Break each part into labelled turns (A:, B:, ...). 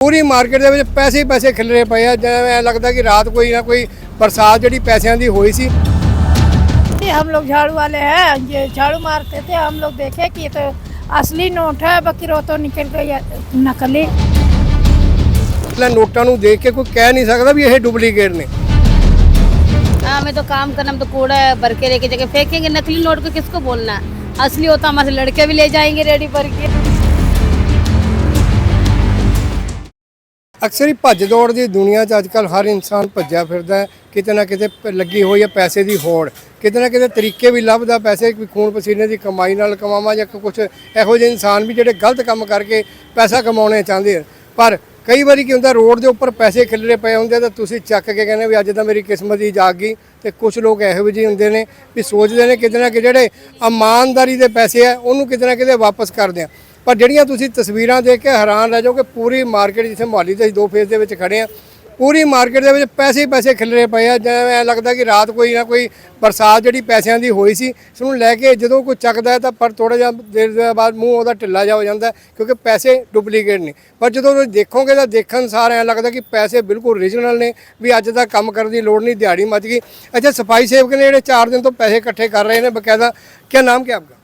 A: पूरी मार्केट दे विच पैसे ही पैसे खिलरे पे आ। जिवें ऐ लगदा कि रात कोई ना कोई बरसात जिहड़ी पैसों की हुई सी।
B: हम लोग झाड़ू वाले हैं, ये झाड़ू मारते थे, हम लोग देखे कि ये तो असली नोट है, बाकी रो तो निकल गई नकली।
A: नोटा नूं देख के कोई कह नहीं सकता भी ये डुप्लीकेट ने।
C: हमें तो काम करना, हम तो कूड़ा भर के लेके जाके फेंकेंगे। नकली नोट को किसको बोलना है? असली होता हमारे लड़के भी ले जाएंगे रेडी भर के।
A: अक्सर ही भज दौड़ की दुनिया च अजकल हर इंसान भज्या फिरदा है, किते ना किते लगी हुई है पैसे की होड़, किते ना किते तरीके भी लभदा पैसे खून पसीने की कमाई नाल कमावा या कुछ इहो ਜਿਹੇ इंसान भी जिहड़े गलत काम करके पैसा कमाने चाहते हैं। पर कई बार की होंदा रोड के उपर पैसे खिलरे पे होंगे तो तुसीं चक के कहने भी अज तो मेरी किस्मत ही जाग गई। तो कुछ लोग इहो ਜਿਹੇ होंगे ने भी सोचते हैं किते ना कि जिहड़े ईमानदारी के पैसे है उन्होंने किते ना किते वापस कर दें। पर ਜਿਹੜੀਆਂ ਤੁਸੀਂ ਤਸਵੀਰਾਂ ਦੇਖ ਕੇ ਹੈਰਾਨ ਰਹਿ ਜਾਓਗੇ, ਪੂਰੀ ਮਾਰਕੀਟ ਜਿੱਥੇ ਮੁਹਾਲੀ ਦੇ ਦੋ ਫੇਸ ਦੇ ਵਿੱਚ ਖੜੇ ਆ, ਪੂਰੀ ਮਾਰਕੀਟ ਦੇ ਵਿੱਚ ਪੈਸੇ ਹੀ ਪੈਸੇ ਖਿਲਰੇ ਪਏ ਆ। ਜਿਵੇਂ ਐ ਲੱਗਦਾ ਕਿ ਰਾਤ ਕੋਈ ਨਾ ਕੋਈ ਬਰਸਾਤ ਜਿਹੜੀ ਪੈਸਿਆਂ ਦੀ ਹੋਈ ਸੀ, ਇਸ ਨੂੰ ਲੈ ਕੇ ਜਦੋਂ ਕੋਈ ਚੱਕਦਾ ਤਾਂ ਪਰ ਥੋੜਾ ਜਿਹਾ ਦੇਰ ਦੇ ਬਾਅਦ ਮੂੰਹ ਉਹਦਾ ਢਿੱਲਾ ਜਾ ਹੋ ਜਾਂਦਾ ਕਿਉਂਕਿ ਪੈਸੇ ਡੁਪਲੀਕੇਟ ਨੇ। ਪਰ ਜਦੋਂ ਤੁਸੀਂ ਦੇਖੋਗੇ ਤਾਂ ਦੇਖਣ ਸਾਰ ਐ ਲੱਗਦਾ ਕਿ ਪੈਸੇ ਬਿਲਕੁਲ ਓਰੀਜਨਲ ਨੇ, ਵੀ ਅੱਜ ਦਾ ਕੰਮ ਕਰਨ ਦੀ ਲੋੜ ਨਹੀਂ, ਦਿਹਾੜੀ ਮੱਚ ਗਈ। ਅੱਛਾ, ਸਫਾਈ ਸੇਵਕ ਨੇ ਜਿਹੜੇ 4 ਦਿਨ ਤੋਂ ਪੈਸੇ ਇਕੱਠੇ ਕਰ ਰਹੇ ਨੇ ਬਕਾਇਦਾ। क्या नाम क्या आपका?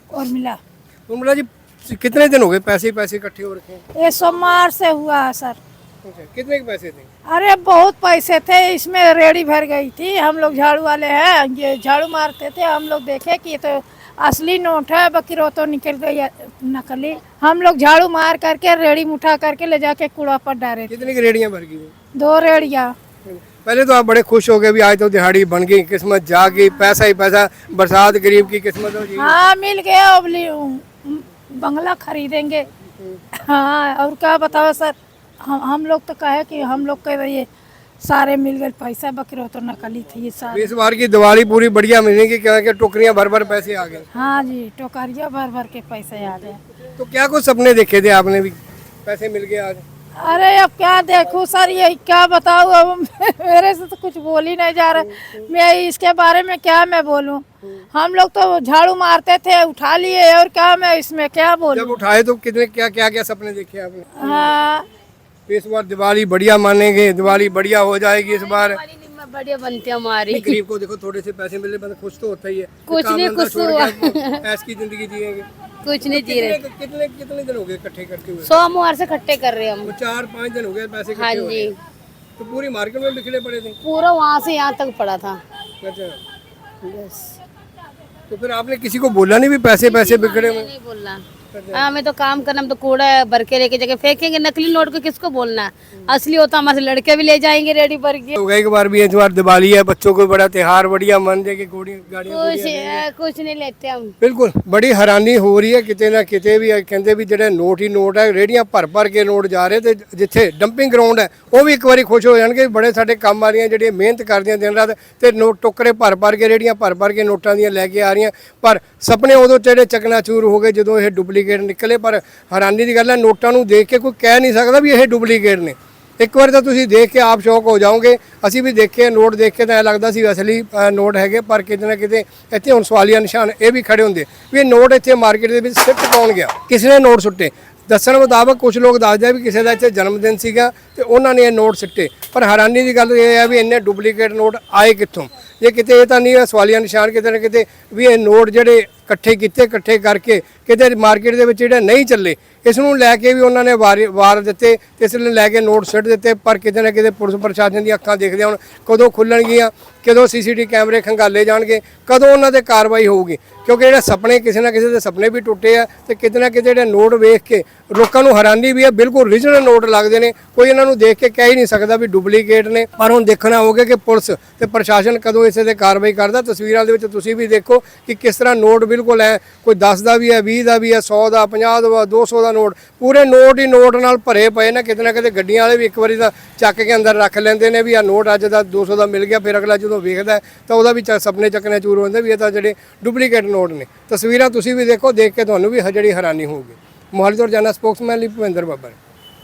B: उर्मिला
A: जी, कितने दिन हो गए पैसे इकट्ठे हो रखे हैं?
B: ये सोमवार से हुआ है सर।
A: कितने के पैसे थे?
B: अरे बहुत पैसे थे, इसमें रेडी भर गई थी। हम लोग झाड़ू वाले हैं, ये झाड़ू मारते थे, हम लोग देखे कि ये तो असली नोट है, बाकी रो तो निकल गई नकली। हम लोग झाड़ू मार करके रेडी उठा करके ले जाके कूड़ा पर डाले।
A: कितनी की रेडियां भर गई?
B: 2 रेडियाँ।
A: पहले तो आप बड़े खुश हो गए भी आज तो दिहाड़ी बन गई, किस्मत जाग गई, पैसा ही पैसा, बरसात गरीब की किस्मत हो जी।
B: हाँ मिल गया, अब बंगला खरीदेंगे। हाँ और क्या बताओ सर, हम लोग तो कहे कि हम लोग के ये सारे मिल गए पैसा, बकरो तो नकली थी ये सारे।
A: इस बार की दिवाली पूरी बढ़िया मिलेगी क्योंकि टोकरियां भर भर पैसे आ गए।
B: हाँ जी, टोकरिया भर भर के पैसे आ गए।
A: तो क्या कुछ सपने देखे थे आपने भी, पैसे मिल गए आज?
B: अरे अब क्या देखूं सर, ये क्या बताऊं, अब मेरे से तो कुछ बोल ही नहीं जा रहा। मैं इसके बारे में क्या मैं बोलूं? हम लोग तो झाड़ू मारते थे, उठा लिए, और क्या मैं इसमें क्या बोलूं?
A: जब उठाए तो कितने क्या सपने देखे आपने?
B: हाँ
A: इस बार दिवाली बढ़िया मानेंगे, दिवाली बढ़िया हो जाएगी इस बार।
C: बढ़िया बनती हमारी।
A: गरीब को देखो थोड़े से पैसे मिले बंदा खुश तो होता ही है।
C: कुछ नहीं, खुश हुआ।
A: ऐस की जिंदगी जिएंगे।
C: कुछ नहीं जी रहे।
A: कितने दिन हो गए इकट्ठे करते हुए?
C: सोमवार से इकट्ठे कर रहे हम।
A: 4-5 दिन हो गए पैसे
C: हाँ
A: इकट्ठे
C: जी।
A: तो पूरी मार्केट में बिखरे पड़े थे?
C: पूरा वहाँ से यहाँ तक पड़ा था।
A: अच्छा,
C: बस
A: तो फिर आपने किसी को बोला नहीं भी पैसे बिखरे में?
C: नहीं बोलना। हमें तो काम करना, हम तो कूड़ा भर के लेके जाके फेंकेंगे। नकली नोट को किसको बोलना है? असली होता हमारे लड़के भी ले जाएंगे रेडी भर के।
A: तो एक बार भी इस बार दिवाली है, बच्चों को बड़ा त्योहार बढ़िया मन दे के गाड़ियां
C: कुछ नहीं लेते हम।
A: बिल्कुल बड़ी हैरानी हो रही है किते ना किते भी। कहते भी ਜਿਹੜੇ ਨੋਟ ਹੀ ਨੋਟ ਹੈ, ਰੇੜੀਆਂ ਭਰ ਕੇ ਨੋਟ ਜਾ ਰਹੇ ਤੇ ਜਿੱਥੇ ਡੰਪਿੰਗ ਗਰਾਊਂਡ ਹੈ ਉਹ ਵੀ ਇੱਕ ਵਾਰੀ ਖੁਸ਼ ਹੋ ਜਾਣਗੇ। ਬੜੇ ਸਾਡੇ ਕੰਮ ਵਾਲੀਆਂ ਜਿਹੜੀਆਂ ਮਿਹਨਤ ਕਰਦੀਆਂ ਦਿਨ ਰਾਤ ਤੇ ਨੋਟ ਟੋਕਰੇ ਭਰ ਕੇ ਰੇੜੀਆਂ ਭਰ ਕੇ ਨੋਟਾਂ ਦੀਆਂ ਲੈ ਕੇ ਆ ਰਹੀਆਂ। ਪਰ ਸੁਪਨੇ ਉਦੋਂ ਜਿਹੜੇ ਚਕਨਾਚੂਰ ਹੋ ਗਏ ਜਦੋਂ ਇਹ ਡੁਪਲੀਕੇਟ ਨਿਕਲੇ। ਪਰ ਹੈਰਾਨੀ ਦੀ ਗੱਲ ਹੈ, ਨੋਟਾਂ ਨੂੰ ਦੇਖ ਕੇ ਕੋਈ ਕਹਿ ਨਹੀਂ ਸਕਦਾ ਵੀ ਇਹ ਡੁਪਲੀਕੇਟ ਨੇ। ਇੱਕ ਵਾਰ ਤਾਂ ਤੁਸੀਂ ਦੇਖ ਕੇ ਆਪ ਸ਼ੌਕ ਹੋ ਜਾਓਗੇ। ਅਸੀਂ ਵੀ ਦੇਖੇ ਨੋਟ ਦੇਖ ਕੇ ਤਾਂ ਐਂ ਲੱਗਦਾ ਸੀ ਅਸਲੀ ਨੋਟ ਹੈਗੇ, ਪਰ ਕਿਤੇ ਨਾ ਕਿਤੇ ਇੱਥੇ ਹੁਣ ਸਵਾਲੀਆ ਨਿਸ਼ਾਨ ਇਹ ਵੀ ਖੜੇ ਹੁੰਦੇ ਵੀ ਇਹ ਨੋਟ ਇੱਥੇ ਮਾਰਕੀਟ ਦੇ ਵਿੱਚ ਸਿੱਟ ਕੌਣ ਗਿਆ, ਕਿਸ ਨੇ ਨੋਟ ਸੁੱਟੇ। ਦੱਸਣ ਮੁਤਾਬਕ ਕੁਝ ਲੋਕ ਦੱਸਦੇ ਵੀ ਕਿਸੇ ਦਾ ਇੱਥੇ ਜਨਮ ਦਿਨ ਸੀਗਾ ਤੇ ਉਹਨਾਂ ਨੇ ਇਹ ਨੋਟ ਸਿੱਟੇ। ਪਰ ਹੈਰਾਨੀ ਦੀ ਗੱਲ ਇਹ ਹੈ ਵੀ ਇੰਨੇ ਡੁਪਲੀਕੇਟ ਨੋਟ ਆਏ ਕਿੱਥੋਂ? ਜੇ ਕਿਤੇ ਇਹ ਤਾਂ ਨਹੀਂ ਸਵਾਲੀਆ ਨਿਸ਼ਾਨ ਕਿਤੇ ਨਾ ਕਿਤੇ ਵੀ ਇਹ ਨੋਟ ਜਿਹੜੇ ਇਕੱਠੇ ਕਰਕੇ ਕਿਤੇ ਮਾਰਕੀਟ ਦੇ ਵਿੱਚ ਜਿਹੜੇ ਨਹੀਂ ਚੱਲੇ, ਇਸ ਨੂੰ ਲੈ ਕੇ ਵੀ ਉਹਨਾਂ ਨੇ ਵਾਰ ਦਿੱਤੇ, ਇਸ ਨੂੰ ਲੈ ਕੇ ਨੋਟ ਸਿੱਟ ਦਿੱਤੇ। ਪਰ ਕਿਤੇ ਨਾ ਕਿਤੇ ਪੁਲਿਸ ਪ੍ਰਸ਼ਾਸਨ ਦੀਆਂ ਅੱਖਾਂ ਦੇਖਦੇ ਹੁਣ ਕਦੋਂ ਖੁੱਲਣਗੀਆਂ, ਕਦੋਂ CCTV ਕੈਮਰੇ ਖੰਗਾਲੇ ਜਾਣਗੇ, ਕਦੋਂ ਉਹਨਾਂ ਤੇ ਕਾਰਵਾਈ ਹੋਊਗੀ। ਕਿਉਂਕਿ ਜਿਹੜੇ ਸੁਪਨੇ ਕਿਸੇ ਨਾ ਕਿਸੇ ਦੇ ਸੁਪਨੇ ਵੀ ਟੁੱਟੇ ਆ ਤੇ ਕਿਤੇ ਨਾ ਕਿਤੇ ਜਿਹੜੇ ਨੋਟ ਵੇਖ ਕੇ ਲੋਕਾਂ ਨੂੰ ਹੈਰਾਨੀ ਵੀ ਹੈ, ਬਿਲਕੁਲ ਓਰੀਜਨਲ ਨੋਟ ਲੱਗਦੇ ਨੇ। ਕੋਈ ਇਹਨਾਂ ਨੂੰ ਦੇਖ ਕੇ ਕਹਿ ਹੀ ਨਹੀਂ ਸਕਦਾ ਵੀ ਡੁਪਲੀਕੇਟ ਨੇ। ਪਰ ਹੁਣ ਦੇਖਣਾ ਹੋਊਗਾ ਕਿ ਪੁਲਿਸ ਤੇ ਪ੍ਰਸ਼ਾਸਨ ਕਦੋਂ ਇਸੇ ਤੇ ਕਾਰਵਾਈ ਕਰਦਾ। ਤਸਵੀਰਾਂ ਦੇ ਵਿੱਚ ਤੁਸੀਂ ਵੀ ਦੇਖੋ ਕਿ ਕਿਸ ਤਰ੍ਹਾਂ ਨੋਟ ਬਿਲकुल है, कोई 10 का भी है, 20 का भी है, 100 का, 50 का, 200 का नोट, पूरे नोट ही नोट नाल भरे पे ने। किते ना किते गड्डियां वाले भी एक बारी तां चक के अंदर रख लेंदे ने भी आ नोट अज दा 200 का मिल गया। फिर अगला जो वेखदा तां ओहदा भी सपने चकने चूर होंदे भी ये तां जिहड़े डुप्लीकेट नोट ने। तस्वीरां तुसीं भी देखो, देख के तुहानूं भी जिहड़ी हैरानी होਊਗੀ। मोहाली तो रोजाना स्पोक्समैन ਲਈ ਭੁਪਿੰਦਰ ਬੱਬਰ।